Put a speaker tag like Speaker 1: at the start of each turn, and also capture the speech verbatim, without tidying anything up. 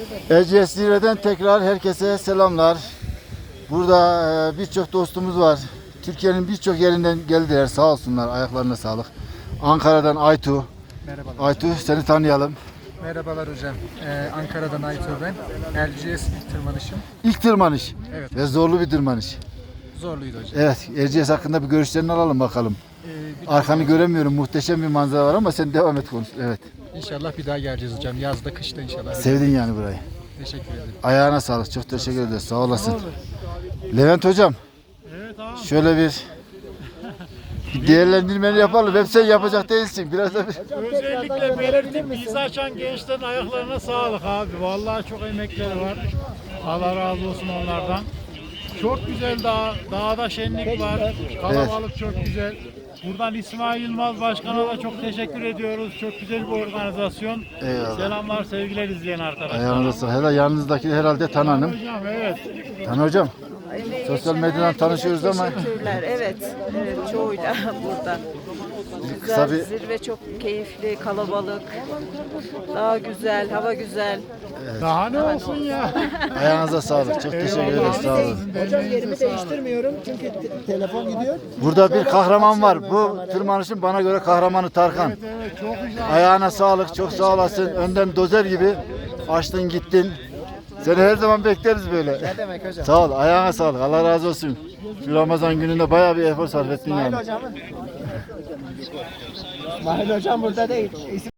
Speaker 1: Erciyes Zirve'den tekrar herkese selamlar. Burada e, birçok dostumuz var. Türkiye'nin birçok yerinden geldiler. Sağ olsunlar. Ayaklarına sağlık. Ankara'dan Aytu.
Speaker 2: Merhabalar.
Speaker 1: Aytu seni tanıyalım.
Speaker 2: Merhabalar hocam. Ee, Ankara'dan Aytur ben. Erciyes ilk tırmanışım.
Speaker 1: İlk tırmanış.
Speaker 2: Evet.
Speaker 1: Ve zorlu bir tırmanış.
Speaker 2: Zorluydu hocam.
Speaker 1: Evet. Erciyes hakkında bir görüşlerini alalım bakalım.
Speaker 2: Ee, bir
Speaker 1: Arkanı göremiyorum. Muhteşem bir manzara var ama sen devam et konuş. Evet.
Speaker 2: İnşallah bir daha geleceğiz hocam. Yazda, kışta inşallah.
Speaker 1: Sevdin yani burayı.
Speaker 2: Teşekkür ederim.
Speaker 1: Ayağına sağlık. Çok teşekkür ederiz. Sağ olasın. Levent hocam.
Speaker 3: Evet abi.
Speaker 1: Şöyle bir, bir değerlendirmeni yapalım. Hep sen yapacak değilsin. Biraz da bir...
Speaker 3: Özellikle belirtip bizi açan gençlerin ayaklarına sağlık abi. Vallahi çok emekleri var. Allah razı olsun onlardan. Çok güzel dağ, dağda şenlik var. Kalabalık çok güzel. Buradan İsmail Yılmaz Başkan'a da çok teşekkür ediyoruz. Çok güzel bir organizasyon.
Speaker 1: Eyvallah.
Speaker 3: Selamlar, sevgiler izleyen arkadaşlar.
Speaker 1: Ayağınıza sağlık. Hele yanınızdaki herhalde Tan Hanım.
Speaker 3: Hocam evet.
Speaker 1: Tan hocam.
Speaker 4: Emeği
Speaker 1: Sosyal
Speaker 4: geçen
Speaker 1: medyadan
Speaker 4: herkese
Speaker 1: tanışıyoruz ama-
Speaker 4: Teşekkürler. Evet, evet çoğuyla burada.
Speaker 1: Kısa
Speaker 4: Güzel,
Speaker 1: bir-
Speaker 4: zirve çok keyifli, kalabalık. Daha güzel, hava güzel.
Speaker 3: Daha ne olsun ya.
Speaker 1: Ayağınıza sağlık. Çok teşekkür ederiz. Sağ olun.
Speaker 5: Hocam yerimi değiştirmiyorum çünkü te- telefon gidiyor.
Speaker 1: Burada bir kahraman var. Bu tırmanışın bana göre kahramanı Tarkan.
Speaker 3: Evet çok güzel.
Speaker 1: Ayağına sağlık. Çok sağ olasın. Önden dozer gibi açtın gittin. Seni her zaman bekleriz böyle.
Speaker 5: Ne demek hocam?
Speaker 1: Sağ ol. Ayağına sağlık. Allah razı olsun. Şu Ramazan gününde bayağı bir efor sarf ettin yani.
Speaker 5: İsmail hocam. İsmail hocam burada değil.